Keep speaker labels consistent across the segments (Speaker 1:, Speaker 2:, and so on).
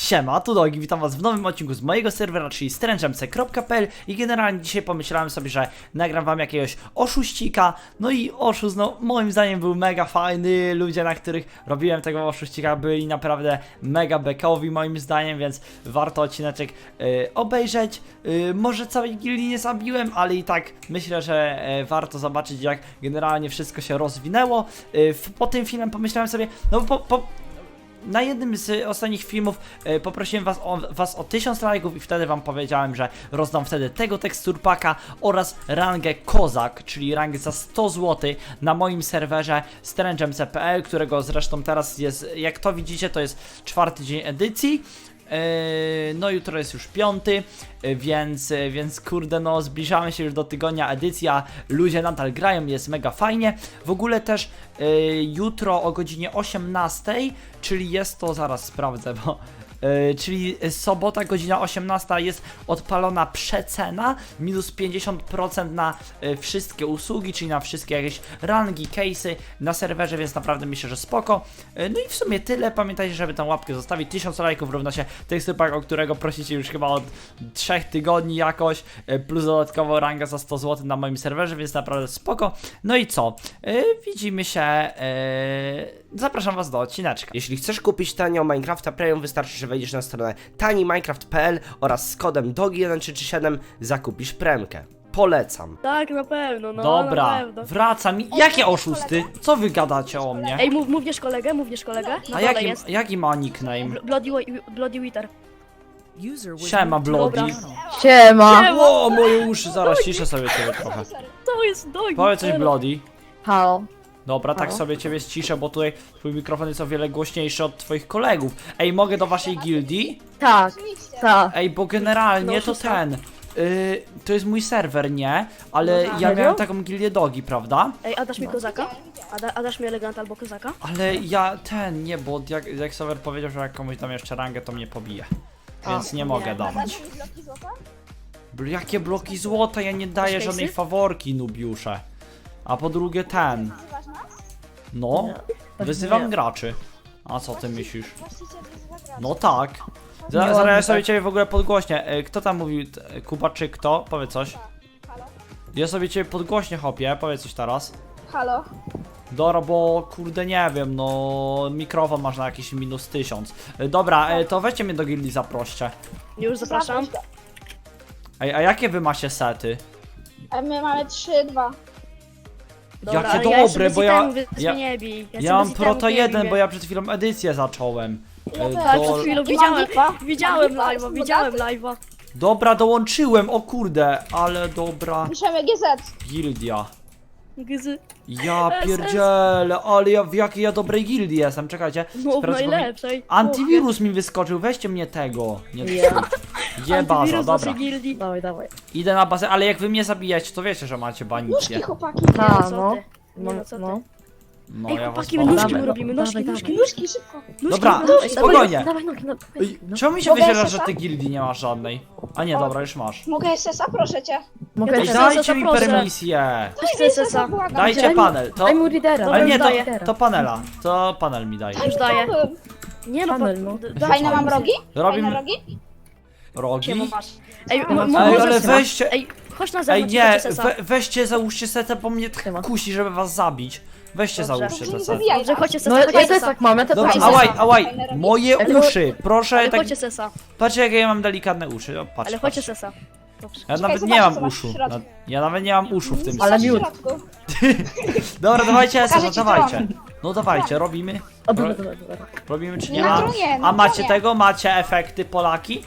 Speaker 1: Siema, tu Dogi, witam was w nowym odcinku z mojego serwera, czyli stręczemce.pl i generalnie dzisiaj pomyślałem sobie, że nagram wam jakiegoś oszuścika. No i oszust, no moim zdaniem był mega fajny, ludzie, na których robiłem tego oszuścika, byli naprawdę mega bekowi moim zdaniem, więc warto odcineczek obejrzeć. Może całej gildii nie zabiłem, ale i tak myślę, że warto zobaczyć, jak generalnie wszystko się rozwinęło. Po tym filmem pomyślałem sobie, no na jednym z ostatnich filmów poprosiłem was o 1000 lajków i wtedy wam powiedziałem, że rozdam wtedy tego teksturpaka oraz rangę Kozak, czyli rangę za 100 zł na moim serwerze stręczemce.pl, którego zresztą teraz jest, jak to widzicie, to jest 4. dzień edycji. No jutro jest już 5, więc kurde, no zbliżamy się już do tygodnia edycji, a ludzie nadal grają, jest mega fajnie. W ogóle też jutro o godzinie 18, czyli jest to, zaraz sprawdzę, bo czyli sobota, godzina 18 jest odpalona przecena, minus 50% na wszystkie usługi, czyli na wszystkie jakieś rangi, case'y na serwerze, więc naprawdę myślę, że spoko. No i w sumie tyle, pamiętajcie, żeby tę łapkę zostawić, 1000 lajków równa się teksturpak, o którego prosicie już chyba od 3 tygodni jakoś, plus dodatkowo ranga za 100 zł na moim serwerze, więc naprawdę spoko. No i co? Widzimy się, zapraszam was do odcineczka.
Speaker 2: Jeśli chcesz kupić tanio Minecrafta Premium, wystarczy, że wejdziesz na stronę taniminecraft.pl oraz z kodem DOGI1337 zakupisz premkę. Polecam.
Speaker 3: Tak, na pewno, no
Speaker 1: Dobra,
Speaker 3: na pewno.
Speaker 1: wracam. Jakie oszusty? Co wy gadacie o mnie?
Speaker 3: Ej, mówisz kolegę? Na
Speaker 1: A
Speaker 3: dole jest.
Speaker 1: jaki ma nickname?
Speaker 3: Bloody Wither.
Speaker 1: Siema, Bloody.
Speaker 3: Dobra.
Speaker 4: Siema!
Speaker 1: O, moje uszy, zaraz ciszę sobie ciebie trochę.
Speaker 3: To jest Dogi.
Speaker 1: Powiedz coś, Bloody.
Speaker 4: Halo.
Speaker 1: Dobra, tak
Speaker 4: Halo?
Speaker 1: sobie ciebie ściszę, bo tutaj twój mikrofon jest o wiele głośniejszy od twoich kolegów. Ej, mogę do waszej gildii?
Speaker 4: Tak, tak.
Speaker 1: Ej, bo generalnie
Speaker 3: No,
Speaker 1: to
Speaker 3: szósta.
Speaker 1: to jest mój serwer, nie? Ale
Speaker 3: No tak.
Speaker 1: ja
Speaker 4: Serio?
Speaker 1: miałem taką gildię Dogi, prawda?
Speaker 3: Ej, a dasz mi kozaka? A dasz mi elegant albo kozaka?
Speaker 1: Ale ja nie, bo jak serwer powiedział, że jak komuś dam jeszcze rangę, to mnie pobije. Więc nie mogę dawać. Jakie bloki złota? Ja nie daję
Speaker 3: Masz
Speaker 1: żadnej
Speaker 3: case'y?
Speaker 1: faworki, nubiusze. A po drugie ten. No,
Speaker 4: Nie.
Speaker 1: wyzywam
Speaker 4: Nie.
Speaker 1: graczy. A co ty myślisz? No tak.
Speaker 4: Nie
Speaker 1: Zaraz
Speaker 4: ładnie
Speaker 1: ja sobie
Speaker 4: tak.
Speaker 1: ciebie w ogóle podgłośnię. Kto tam mówił? Kuba czy kto? Powiedz coś. Ja sobie ciebie podgłośnię, hopie. Powiedz coś teraz.
Speaker 5: Halo?
Speaker 1: Dobra, bo kurde nie wiem, no mikrofon masz na jakieś minus 1000. Dobra, to weźcie mnie do gildii, zaproście.
Speaker 3: Już zapraszam.
Speaker 1: Ej, a jakie wy macie sety?
Speaker 5: A my mamy 3-2.
Speaker 3: Dobra,
Speaker 1: Jakie
Speaker 3: ale
Speaker 1: dobre,
Speaker 3: ja jeszcze
Speaker 1: bo ja-
Speaker 3: bez itemu, więc
Speaker 1: ja-
Speaker 3: mnie nie bij.
Speaker 1: Ja mam Proto 1, bo ja przed chwilą edycję zacząłem.
Speaker 3: Tak, przed chwilą
Speaker 5: I mam lipa.
Speaker 3: widziałem
Speaker 5: Mam lipa,
Speaker 3: live'a,
Speaker 5: jest
Speaker 3: widziałem
Speaker 5: woda?
Speaker 3: live'a.
Speaker 1: Dobra, dołączyłem, o kurde, ale dobra
Speaker 5: Piszemy GZ.
Speaker 1: gildia.
Speaker 3: Gzy.
Speaker 1: Ja pierdzielę, ale ja w jakiej ja dobrej gildii jestem, czekajcie.
Speaker 3: No,
Speaker 1: sprawdzę, bo mi-
Speaker 3: najlepszej.
Speaker 1: Antiwirus mi wyskoczył, weźcie mnie tego. Nie
Speaker 4: Ja.
Speaker 1: Jebaza,
Speaker 3: Antywirus
Speaker 1: dobra.
Speaker 3: naszej gildii.
Speaker 4: Dawaj, dawaj.
Speaker 1: Idę na bazę, ale jak wy mnie zabijacie, to wiecie, że macie banicję.
Speaker 5: Nóżki, chłopaki.
Speaker 4: A,
Speaker 3: co
Speaker 4: no.
Speaker 3: ty? Nie, no co ty?
Speaker 4: No.
Speaker 1: No
Speaker 3: Ej,
Speaker 1: ja was
Speaker 3: chłopaki,
Speaker 1: bawię.
Speaker 3: nóżki
Speaker 4: Dawaj,
Speaker 3: mu robimy,
Speaker 4: no,
Speaker 3: nóżki,
Speaker 4: dawaj,
Speaker 3: nóżki,
Speaker 4: dawaj.
Speaker 5: Nóżki, szybko.
Speaker 1: Dobra,
Speaker 3: nóżki.
Speaker 1: spokojnie.
Speaker 4: Dawaj nogi, no.
Speaker 1: Ej, czemu mi się
Speaker 5: Mogę
Speaker 1: wyświetla, że
Speaker 5: SS-a?
Speaker 1: ty gildii nie masz żadnej? A nie, dobra, już masz.
Speaker 5: Mogę SS-a? Proszę cię.
Speaker 4: Mogę
Speaker 3: Ja
Speaker 1: Ej,
Speaker 3: też
Speaker 4: dać.
Speaker 1: dajcie mi
Speaker 3: zaproszę.
Speaker 1: permisję.
Speaker 3: Chcę SS-a.
Speaker 5: błagam.
Speaker 1: Dajcie
Speaker 4: Daj mi-
Speaker 1: panel, to...
Speaker 4: Daj mu lidera.
Speaker 3: Dobra,
Speaker 1: Ale
Speaker 3: już
Speaker 1: nie,
Speaker 3: daję.
Speaker 1: to panela. To panel mi daje.
Speaker 3: Już daję.
Speaker 5: Chciałbym.
Speaker 3: Nie no,
Speaker 4: Panel, no.
Speaker 5: Fajne mam rogi? Fajne
Speaker 1: Robimy
Speaker 5: rogi?
Speaker 1: rogi.
Speaker 3: Ciemo masz. Ej,
Speaker 4: Ej,
Speaker 3: może
Speaker 1: ale
Speaker 3: sesa.
Speaker 1: weźcie-
Speaker 3: Ej, chodź na
Speaker 1: Ej,
Speaker 3: zewnątrz,
Speaker 1: nie,
Speaker 3: chodźcie sesa.
Speaker 1: weźcie, załóżcie setę, bo mnie tak
Speaker 4: Siema.
Speaker 1: kusi, żeby was zabić. Weźcie,
Speaker 3: Dobrze.
Speaker 1: załóżcie
Speaker 5: To nie
Speaker 1: setę.
Speaker 5: zabijaj
Speaker 3: Dobrze,
Speaker 5: nas.
Speaker 3: chodźcie
Speaker 4: No
Speaker 3: sesa,
Speaker 4: ja
Speaker 3: chodźcie
Speaker 4: też
Speaker 3: sesa.
Speaker 4: tak mam, ja też
Speaker 1: Dobra,
Speaker 4: tak
Speaker 3: Chodźcie
Speaker 4: mam.
Speaker 1: ałaj,
Speaker 5: Fajne rogi.
Speaker 1: moje
Speaker 4: Ale
Speaker 1: uszy, proszę,
Speaker 3: Ale
Speaker 1: tak,
Speaker 3: chodźcie sesa,
Speaker 1: patrzcie jakie ja mam delikatne uszy, o, patrz,
Speaker 3: ale chodźcie
Speaker 1: patrz.
Speaker 3: sesa. Dobrze.
Speaker 1: Ja nawet
Speaker 5: zobaczę,
Speaker 1: nie mam
Speaker 5: co masz w
Speaker 1: uszu,
Speaker 5: środku.
Speaker 1: ja nawet nie mam uszu w tym.
Speaker 4: Ale
Speaker 5: W
Speaker 4: miód.
Speaker 5: środku.
Speaker 1: Dobra, dawajcie,
Speaker 5: Pokażę
Speaker 1: Esa,
Speaker 5: ci
Speaker 1: dawajcie.
Speaker 5: tron.
Speaker 1: No dawajcie, robimy.
Speaker 4: O, dobra, dobra, dobra.
Speaker 1: Robimy czy
Speaker 5: Nie
Speaker 1: nie?
Speaker 5: na
Speaker 1: A,
Speaker 5: tronie,
Speaker 1: a
Speaker 5: na
Speaker 1: macie
Speaker 5: tronie.
Speaker 1: tego? Macie efekty Polaki?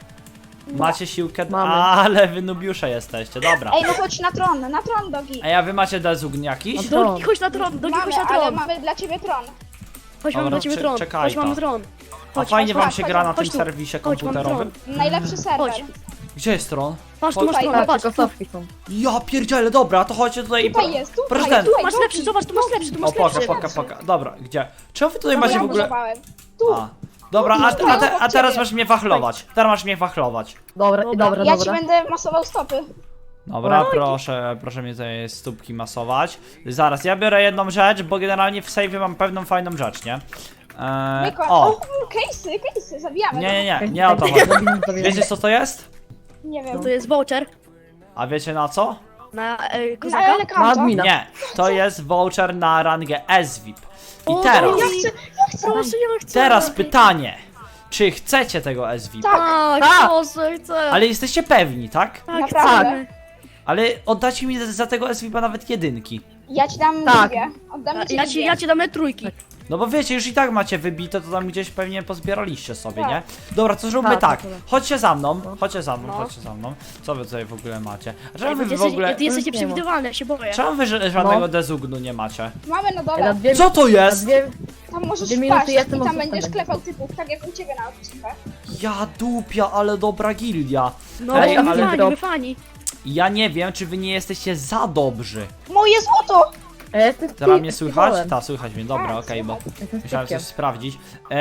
Speaker 1: Macie siłkę?
Speaker 4: Mamy.
Speaker 1: Ale wy nubiusze jesteście, dobra.
Speaker 5: Ej, no chodź na tron Dogi.
Speaker 1: A wy macie dezugn jakiś?
Speaker 4: No.
Speaker 3: Dogi, chodź na tron, Dogi, chodź
Speaker 5: Mamy,
Speaker 3: na
Speaker 5: ale
Speaker 3: tron.
Speaker 5: mamy dla ciebie tron.
Speaker 3: Chodź, mamy
Speaker 1: Dobra,
Speaker 3: dla ciebie tron.
Speaker 1: czekaj
Speaker 3: Chodź, mamy
Speaker 1: to.
Speaker 3: tron.
Speaker 1: A
Speaker 3: Chodź,
Speaker 1: fajnie
Speaker 5: chodź,
Speaker 1: wam
Speaker 5: chodź,
Speaker 1: się
Speaker 5: chodź,
Speaker 1: gra na
Speaker 3: chodź
Speaker 1: tym
Speaker 3: tu.
Speaker 1: serwisie
Speaker 3: Chodź, mam
Speaker 1: komputerowym?
Speaker 5: Najlepszy serwer.
Speaker 3: Chodź.
Speaker 1: Gdzie jest tron?
Speaker 3: Patrz, tu masz
Speaker 5: Tutaj.
Speaker 3: tron,
Speaker 4: Tak,
Speaker 3: patrz.
Speaker 4: tylko stawki są.
Speaker 1: Ja pierdzielę, dobra, to chodźcie tutaj.
Speaker 5: Tutaj jest, tutaj,
Speaker 1: Proszę ten.
Speaker 5: tutaj,
Speaker 3: Masz
Speaker 5: Dogi.
Speaker 3: lepszy, zobacz, tu masz lepszy, tu
Speaker 1: O,
Speaker 3: masz
Speaker 1: poka,
Speaker 3: lepszy.
Speaker 1: poka. Dobra, gdzie? Czemu wy tutaj
Speaker 5: No,
Speaker 1: macie
Speaker 5: ja
Speaker 1: w ogóle...
Speaker 5: budowałem. Tu.
Speaker 1: A, dobra, a teraz masz mnie wachlować. Teraz masz mnie wachlować.
Speaker 4: Dobra,
Speaker 3: Dobra.
Speaker 4: dobra,
Speaker 5: Ja ci
Speaker 4: dobra.
Speaker 5: będę masował stopy.
Speaker 1: Dobra, proszę mnie tutaj stópki masować. Zaraz, ja biorę jedną rzecz, bo generalnie w save'ie mam pewną fajną rzecz, nie?
Speaker 5: Myko,
Speaker 1: O!
Speaker 5: case'y, zabijamy.
Speaker 1: Nie o to chodzi. Wiecie co to jest?
Speaker 5: Nie
Speaker 3: No
Speaker 5: wiem.
Speaker 3: to jest voucher
Speaker 1: A wiecie na co?
Speaker 3: na
Speaker 5: Na
Speaker 3: kozaka.
Speaker 5: eleganto.
Speaker 4: Admina.
Speaker 1: Nie, to jest voucher na rangę SVIP. I
Speaker 3: O,
Speaker 1: teraz,
Speaker 5: Ja chcę.
Speaker 3: Proszę, ja chcę.
Speaker 1: teraz pytanie. Czy chcecie tego SVIP?
Speaker 5: Tak.
Speaker 3: Tak, proszę, chcę.
Speaker 1: Ale jesteście pewni, tak?
Speaker 3: Tak,
Speaker 5: Naprawdę.
Speaker 3: chcemy.
Speaker 1: Ale oddacie mi za tego SVIP-a nawet jedynki.
Speaker 5: Ja ci dam
Speaker 4: Tak.
Speaker 5: dwie. Oddam ci dwie.
Speaker 3: Ja ci dam trójki.
Speaker 1: No bo wiecie, już i tak macie wybite, to tam gdzieś pewnie pozbieraliście sobie,
Speaker 5: Tak.
Speaker 1: nie? Dobra, to zróbmy
Speaker 4: Tak,
Speaker 1: tak.
Speaker 4: tak.
Speaker 1: Chodźcie za mną, chodźcie za mną,
Speaker 3: No.
Speaker 1: chodźcie za mną. Co wy tutaj w ogóle macie? A
Speaker 3: Ej,
Speaker 1: czemu
Speaker 3: bo
Speaker 1: wy
Speaker 3: ty
Speaker 1: w ogóle...
Speaker 3: jesteś
Speaker 4: Nie ma.
Speaker 3: nieprzewidywalny, ja się boję.
Speaker 1: Czemu wy żadnego
Speaker 4: No.
Speaker 1: dezugnu nie macie?
Speaker 5: Mamy na
Speaker 4: Na
Speaker 5: dole.
Speaker 4: dwie,
Speaker 1: Co to
Speaker 4: na
Speaker 1: jest?
Speaker 4: dwie,
Speaker 5: Tam możesz
Speaker 4: 2 minuty
Speaker 5: wpaść i
Speaker 4: jestem
Speaker 5: tam
Speaker 4: od
Speaker 5: będziesz
Speaker 4: zostawienia.
Speaker 5: klepał typów, tak jak u ciebie na odcinkach.
Speaker 1: Ja dupia, ale dobra gildia.
Speaker 3: No,
Speaker 1: Ej,
Speaker 3: my
Speaker 1: ale-
Speaker 3: fani, my fani.
Speaker 1: Ja nie wiem, czy wy nie jesteście za dobrzy.
Speaker 5: Moje złoto!
Speaker 4: a ja jestem
Speaker 1: Teraz mnie słychać?
Speaker 4: piwolem.
Speaker 1: Tak, słychać mnie, dobra,
Speaker 5: Tak,
Speaker 1: okej, bo
Speaker 5: słychać.
Speaker 4: Jestem
Speaker 1: musiałem coś
Speaker 4: typkiem.
Speaker 1: sprawdzić.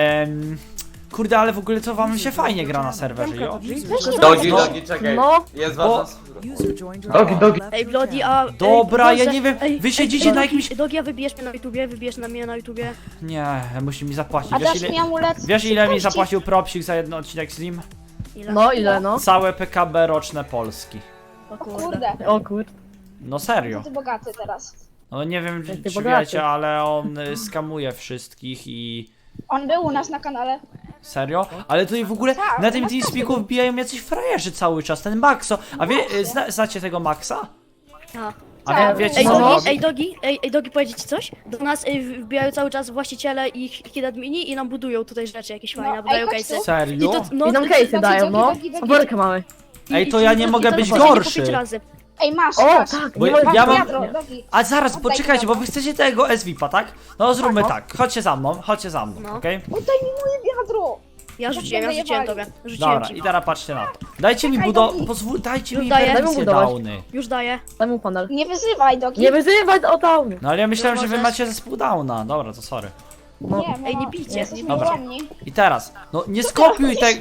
Speaker 1: Kurde, ale w ogóle to wam się fajnie gra na serwerze, jo?
Speaker 6: Dogi,
Speaker 1: No.
Speaker 6: dogi, czekaj.
Speaker 4: No.
Speaker 6: Jest
Speaker 1: Bo-
Speaker 6: ważna
Speaker 7: Dogi, dogi.
Speaker 3: Ej, Bloody, a...
Speaker 1: Dobra,
Speaker 3: ej,
Speaker 1: ja
Speaker 3: proszę,
Speaker 1: nie wiem,
Speaker 3: ej,
Speaker 1: wy
Speaker 3: ej,
Speaker 1: siedzicie
Speaker 3: Dogi,
Speaker 1: na jakimś...
Speaker 3: Dogi, a wybierz mnie na YouTubie, wybierz na mnie na YouTubie.
Speaker 1: Nie, musi mi zapłacić.
Speaker 5: A
Speaker 1: Wiesz
Speaker 5: dasz mi
Speaker 1: ile,
Speaker 5: amulet?
Speaker 1: wiesz, ile mi
Speaker 5: Szybkości.
Speaker 1: zapłacił Propsik za jeden odcinek z nim?
Speaker 3: Ile?
Speaker 4: No ile no?
Speaker 1: Całe PKB roczne Polski.
Speaker 3: O
Speaker 5: O
Speaker 3: kurde.
Speaker 5: kurde.
Speaker 4: O kur...
Speaker 1: No serio.
Speaker 5: Ty bogaty teraz.
Speaker 1: No nie wiem,
Speaker 4: Jak ty
Speaker 1: czy
Speaker 4: bogaty.
Speaker 1: wiecie, ale on skamuje wszystkich i...
Speaker 5: On był u nas na kanale.
Speaker 1: Serio? Ale tutaj w ogóle
Speaker 5: Tak,
Speaker 1: na tym
Speaker 5: no
Speaker 1: TeamSpeaku wbijają jacyś frajerzy cały czas, ten Maxo. A wie, znacie tego Maxa?
Speaker 3: A.
Speaker 1: A
Speaker 5: Tak.
Speaker 1: wiecie
Speaker 3: Ej,
Speaker 1: co on
Speaker 3: Dogi,
Speaker 1: robi?
Speaker 3: ej, Dogi, powiedzieć ci coś? Do nas wbijają cały czas właściciele i hidadmini i nam budują tutaj rzeczy jakieś fajne,
Speaker 5: ej,
Speaker 3: budują
Speaker 5: chodź
Speaker 3: case'y.
Speaker 5: tu.
Speaker 1: Serio?
Speaker 3: no,
Speaker 4: I nam case'y dają, no.
Speaker 5: dogi, dogi.
Speaker 4: Faworkę mamy.
Speaker 1: Ej, to ja nie mogę być
Speaker 3: po 5
Speaker 1: gorszy.
Speaker 3: razy.
Speaker 5: Ej, masz,
Speaker 4: O,
Speaker 5: masz.
Speaker 4: tak,
Speaker 1: Bo
Speaker 4: nie
Speaker 1: ja
Speaker 4: ma...
Speaker 1: mam-
Speaker 5: Wiadro, dogi.
Speaker 1: A zaraz,
Speaker 5: Oddaj
Speaker 1: poczekajcie, bo
Speaker 5: wiadro.
Speaker 1: wy chcecie tego SVP-a, tak? No zróbmy
Speaker 4: no.
Speaker 1: tak, chodźcie za mną,
Speaker 3: No.
Speaker 1: okej?
Speaker 5: Oddaj mi moje wiadro!
Speaker 3: Ja rzuciłem tobie. Rzuciłem
Speaker 1: Dobra,
Speaker 3: ci.
Speaker 1: i teraz patrzcie na to. Dajcie mi
Speaker 5: Czekaj,
Speaker 1: budow...
Speaker 5: Dogi.
Speaker 1: Pozwól, dajcie
Speaker 3: Już
Speaker 1: mi
Speaker 3: daję.
Speaker 1: wersję
Speaker 4: Daj mu budować.
Speaker 1: downy.
Speaker 3: Już daję.
Speaker 4: Daj mu panel.
Speaker 5: Nie wyzywaj, dogi.
Speaker 4: Nie wyzywać o downy.
Speaker 1: No ale ja myślałem, że wy
Speaker 3: możesz.
Speaker 1: macie zespół downa. Dobra, to sorry.
Speaker 4: No.
Speaker 5: Nie,
Speaker 3: Ej, nie bijcie,
Speaker 5: Jesteśmy
Speaker 1: Dobra.
Speaker 5: ułomni.
Speaker 1: I teraz, no nie skopiuj tego...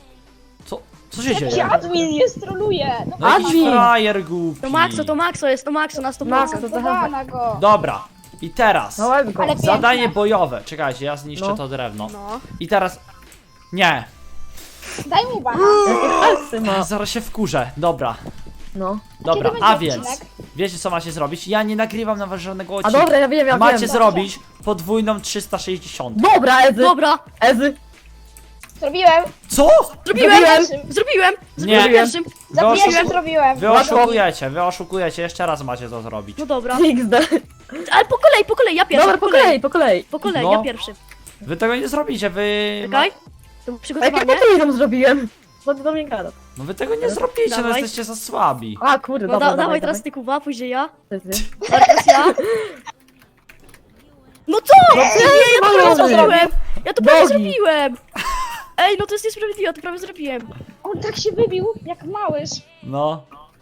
Speaker 1: Co się
Speaker 5: Jakiś
Speaker 1: dzieje?
Speaker 5: admin jest, troluje. No
Speaker 1: No jakiś
Speaker 4: Admin.
Speaker 1: frajer głupi.
Speaker 3: To Maxo jest, to Maxo na 100%.
Speaker 4: Maxo, to
Speaker 5: Podoba na go.
Speaker 1: Dobra, i teraz
Speaker 4: No łeb go.
Speaker 5: Ale-
Speaker 1: zadanie
Speaker 5: piękne.
Speaker 1: bojowe. Czekajcie, ja zniszczę
Speaker 4: No.
Speaker 1: to drewno.
Speaker 3: No.
Speaker 1: I teraz... Nie,
Speaker 5: Daj mu bana.
Speaker 4: Jakie palce ma.
Speaker 1: zaraz się wkurzę. Dobra,
Speaker 4: No.
Speaker 1: dobra,
Speaker 5: Kiedy
Speaker 1: a
Speaker 5: będzie
Speaker 1: więc...
Speaker 5: odcinek?
Speaker 1: Wiecie co macie zrobić? Ja nie nagrywam na was żadnego
Speaker 4: A
Speaker 1: odcinka.
Speaker 4: dobra, ja wiem.
Speaker 1: Macie zrobić podwójną 360.
Speaker 4: Dobra, Ezy.
Speaker 3: Dobra,
Speaker 4: Ezy.
Speaker 5: Zrobiłem.
Speaker 1: Co?
Speaker 3: zrobiłem!
Speaker 5: Zrobiłem.
Speaker 3: Zrobiłem!
Speaker 1: Nie.
Speaker 3: Zrobiłem pierwszym!
Speaker 1: Wy,
Speaker 5: Za
Speaker 1: oszu...
Speaker 5: pierwszym zrobiłem.
Speaker 1: wy oszukujecie, jeszcze raz macie to zrobić.
Speaker 3: No dobra.
Speaker 4: XD.
Speaker 3: Ale po kolei, ja pierwszy.
Speaker 4: Dobra, po kolei.
Speaker 3: Po kolei,
Speaker 1: No.
Speaker 3: ja pierwszy.
Speaker 1: Wy tego nie zrobicie, wy...
Speaker 3: Czekaj. To
Speaker 4: A jakie
Speaker 3: przygotowanie.
Speaker 4: potrójną zrobiłem? Co ty do mnie gadasz?
Speaker 1: No wy tego nie zrobicie, no
Speaker 3: Dawaj.
Speaker 1: jesteście za słabi.
Speaker 4: A kurde,
Speaker 3: No
Speaker 4: dobra,
Speaker 3: dawaj teraz ty Kuba, później ja.
Speaker 4: Ezy.
Speaker 3: Teraz ja. No co? Nie, ja to prawie zrobiłem! Ja to prawie
Speaker 4: Bogi.
Speaker 3: zrobiłem! Ej, no to jest niesprawiedliwe, ja to prawie zrobiłem.
Speaker 5: On tak się wybił, jak małyż.
Speaker 1: No.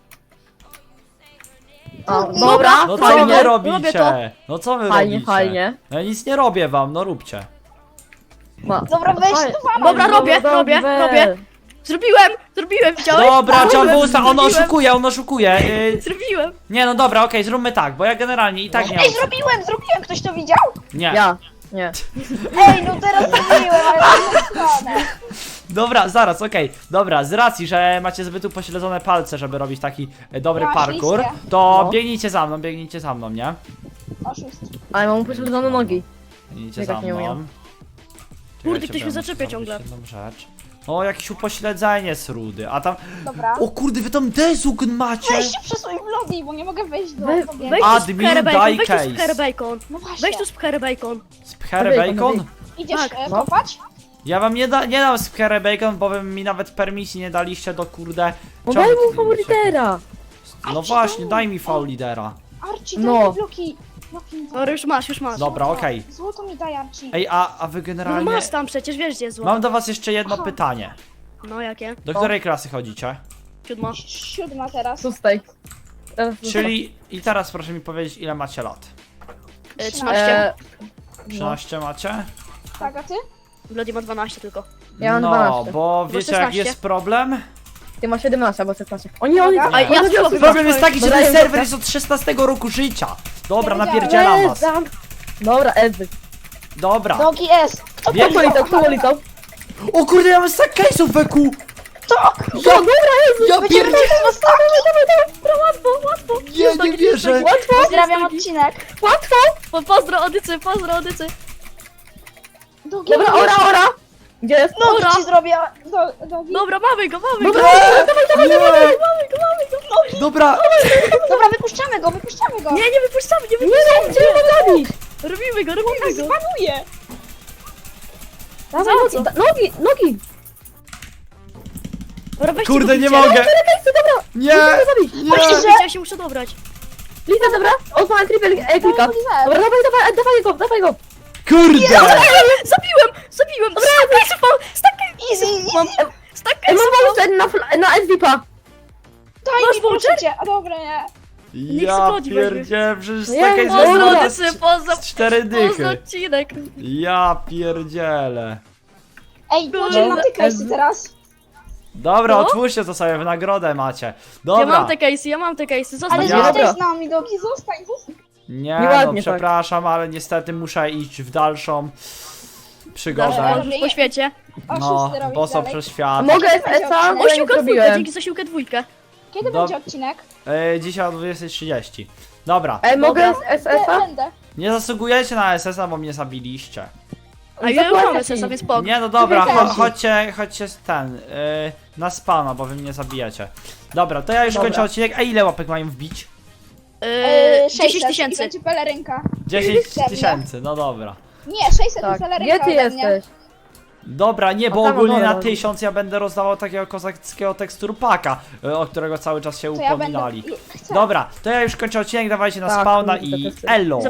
Speaker 4: A, dobra,
Speaker 1: No co
Speaker 4: fajnie.
Speaker 1: wy
Speaker 3: robię to.
Speaker 1: robicie? No co wy
Speaker 4: Fajnie,
Speaker 1: robicie?
Speaker 4: fajnie.
Speaker 1: No ja nic nie robię wam, no róbcie.
Speaker 4: Ma.
Speaker 5: Dobra, weź
Speaker 4: Fajnie.
Speaker 5: tu bana.
Speaker 3: Dobra, robię, robię. Zrobiłem, widziałeś?
Speaker 1: Dobra, Czambusa, on
Speaker 3: Zrobiłem.
Speaker 1: oszukuje.
Speaker 3: Zrobiłem.
Speaker 1: Nie no dobra, okej, zróbmy tak, bo ja generalnie i tak nie mam...
Speaker 5: Ej, zrobiłem. Ktoś to widział?
Speaker 1: Nie.
Speaker 4: Ja. Nie.
Speaker 5: Ej, no teraz zrobiłem, ale na stronę.
Speaker 1: Dobra, zaraz, okej. Dobra, z racji, że macie zbyt upośledzone palce, żeby robić taki dobry
Speaker 5: No,
Speaker 1: parkour,
Speaker 5: oczywiście.
Speaker 1: to
Speaker 4: No.
Speaker 1: biegnijcie za mną, nie?
Speaker 5: Oszust.
Speaker 4: Ale mam upośledzone nogi.
Speaker 1: Biegnijcie
Speaker 4: Ja
Speaker 1: za
Speaker 4: tak nie
Speaker 1: mną.
Speaker 4: umiem.
Speaker 1: Czekajcie,
Speaker 3: Kurde, ktoś
Speaker 1: bo
Speaker 3: mnie
Speaker 1: ja
Speaker 3: zaczepia
Speaker 1: muszę
Speaker 3: ciągle.
Speaker 1: zrobić jedną rzecz. O, jakieś upośledzenie z rudy, a tam...
Speaker 5: Dobra.
Speaker 1: O kurde, wy tam dezugn macie!
Speaker 5: Weź się przesuń w lobby, bo nie mogę wejść do
Speaker 4: Weź-
Speaker 5: tobie.
Speaker 3: Weź tu
Speaker 1: Admin,
Speaker 3: spcherę
Speaker 1: daj
Speaker 3: bacon, weź tu
Speaker 1: case.
Speaker 3: spcherę bacon.
Speaker 5: No właśnie.
Speaker 3: Weź tu spcherę bacon.
Speaker 1: Spcherę
Speaker 4: Bacon,
Speaker 1: bacon?
Speaker 5: Idziesz
Speaker 3: Tak,
Speaker 4: no.
Speaker 5: kopać?
Speaker 1: Ja wam nie dam spcherę bacon, bo wy mi nawet permisji nie daliście do kurde...
Speaker 4: Bo
Speaker 1: Czemu
Speaker 4: daj
Speaker 1: ty
Speaker 4: mu faworytera.
Speaker 1: No właśnie, daj mi faul lidera.
Speaker 5: Archie,
Speaker 4: No.
Speaker 5: daj mi bloki. Bloki mi daj.
Speaker 3: Dobra, już masz.
Speaker 1: Dobra, okej.
Speaker 5: Złoto mi daj, Archie.
Speaker 1: Ej, a wy
Speaker 3: No
Speaker 1: generalnie...
Speaker 3: masz tam przecież, wiesz gdzie jest złoto.
Speaker 1: Mam do was jeszcze jedno
Speaker 5: Aha.
Speaker 1: pytanie.
Speaker 3: No jakie?
Speaker 1: Do której klasy chodzicie?
Speaker 3: 7.
Speaker 5: 7 teraz.
Speaker 4: 6. Teraz
Speaker 1: Czyli... I teraz proszę mi powiedzieć, ile macie lat?
Speaker 3: 13.
Speaker 1: 13 macie?
Speaker 5: Tak, a ty?
Speaker 3: Bloody ma 12 tylko.
Speaker 4: Ja mam
Speaker 1: No,
Speaker 4: 12.
Speaker 1: bo wiecie jak
Speaker 3: 16.
Speaker 1: jest problem?
Speaker 4: Ty masz 17 albo 16. O nie, on
Speaker 5: Dobra.
Speaker 3: A ja spróbuję.
Speaker 1: Problem jest taki, że
Speaker 4: Dobra,
Speaker 1: ten
Speaker 4: ja
Speaker 1: serwer
Speaker 4: wiem.
Speaker 1: jest od 16 roku życia. Dobra,
Speaker 5: Ja
Speaker 1: napierdzielam was.
Speaker 4: Dobra, Ezy.
Speaker 1: Dobra.
Speaker 5: Dogi S.
Speaker 4: Kto politał, kto politał?
Speaker 1: O kurde, ja mam stack case'ów, Beku!
Speaker 5: Tak!
Speaker 1: Ja, ja
Speaker 5: Będziemy
Speaker 1: pierdolę!
Speaker 5: mieć was tak!
Speaker 3: Łatwo.
Speaker 1: Nie, nie wierzę!
Speaker 4: Łatwo,
Speaker 5: Pozdrawiam odcinek.
Speaker 4: łatwo!
Speaker 3: Pozdro Odycy,
Speaker 5: Długi.
Speaker 4: Dobra, ora! Gdzie jest?
Speaker 5: No
Speaker 3: Ora.
Speaker 5: to ci zrobię. Dogi.
Speaker 3: Dobra, mamy go.
Speaker 4: Dobra,
Speaker 1: Nie! Dobra,
Speaker 5: Dobra, wypuszczamy go.
Speaker 3: Nie wypuszczamy, nie
Speaker 4: nie no, gdzie go zabić?
Speaker 3: Robimy go.
Speaker 5: Zbanuję.
Speaker 4: Dawaj,
Speaker 3: co?
Speaker 4: nogi!
Speaker 3: Dobra, weźcie
Speaker 1: kurde,
Speaker 3: go,
Speaker 1: nie
Speaker 3: bijcie.
Speaker 1: mogę! Nie!
Speaker 3: Właśnie,
Speaker 1: Nie!
Speaker 3: ja się muszę dobrać.
Speaker 4: Lisa, dobra? On ma triple klika. Dobra, dawaj go!
Speaker 1: Kurde!
Speaker 3: Zabiłem. Stack
Speaker 5: Easy.
Speaker 4: Ej, mam walce na SVP-a.
Speaker 5: Daj
Speaker 3: Masz
Speaker 5: mi proszę
Speaker 3: voucher?
Speaker 5: cię. A dobra, nie.
Speaker 1: Ja
Speaker 3: schodzi,
Speaker 1: pierdzie, przecież
Speaker 4: Nie,
Speaker 1: taka jest
Speaker 4: pozdro,
Speaker 1: wygląda
Speaker 3: Odycy, pozdro.
Speaker 1: z 4 dychy.
Speaker 3: odcinek.
Speaker 1: Ja pierdzielę.
Speaker 5: Ej, Boże, mam te case'y teraz.
Speaker 1: Dobra,
Speaker 3: Co?
Speaker 1: otwórzcie to sobie, w nagrodę macie.
Speaker 3: Ja
Speaker 1: Dobra.
Speaker 3: mam te case'y, zostań.
Speaker 5: Ale
Speaker 1: Ja-
Speaker 5: zostań
Speaker 4: Dobra.
Speaker 5: z nami, Dogi, zostań.
Speaker 1: Nie,
Speaker 4: Nieładnie
Speaker 1: no przepraszam, ale niestety muszę iść w dalszą przygodę.
Speaker 3: Podróż po świecie.
Speaker 1: No,
Speaker 5: Oszusty robić
Speaker 1: boso
Speaker 5: dalej.
Speaker 1: przez świat.
Speaker 4: Mogę SSA? Bo ja nie
Speaker 3: Osiłka dwójkę,
Speaker 4: zrobiłem.
Speaker 3: dzięki za siłkę dwójkę.
Speaker 5: Kiedy
Speaker 1: Do-
Speaker 5: będzie odcinek?
Speaker 1: Dzisiaj o 20:30. Dobra,
Speaker 4: Ej, mogę
Speaker 3: Dobra.
Speaker 4: SSA?
Speaker 5: Będę.
Speaker 1: nie zasługujecie na SS-a, bo mnie zabiliście.
Speaker 3: A ja już mam
Speaker 4: Zapłacę
Speaker 3: SS-a,
Speaker 4: ci.
Speaker 3: więc spoko.
Speaker 1: Nie, no dobra,
Speaker 5: Wygrałem.
Speaker 1: chodźcie na spana, bo wy mnie zabijacie. Dobra, to ja już
Speaker 4: Dobra.
Speaker 1: kończę odcinek. A ile łapek mają wbić?
Speaker 3: 10
Speaker 5: I
Speaker 3: tysięcy.
Speaker 5: będzie pelerynka.
Speaker 1: 10
Speaker 5: Serio?
Speaker 1: tysięcy, no dobra.
Speaker 5: Nie, 600
Speaker 4: Tak.
Speaker 5: i pelerynka
Speaker 4: Gdzie ty
Speaker 5: ode mnie.
Speaker 4: jesteś?
Speaker 1: Dobra, nie, bo
Speaker 4: A tam,
Speaker 1: ogólnie
Speaker 4: dobra,
Speaker 1: na
Speaker 4: dobra.
Speaker 1: 1000 ja będę rozdawał takiego kozackiego teksturpaka, o którego cały czas się
Speaker 5: To ja
Speaker 1: upominali.
Speaker 5: będę... Chcę.
Speaker 1: Dobra, to ja już kończę odcinek, dawajcie na
Speaker 4: Tak,
Speaker 1: spawna
Speaker 4: kurde,
Speaker 1: i
Speaker 4: to jest-
Speaker 1: elo!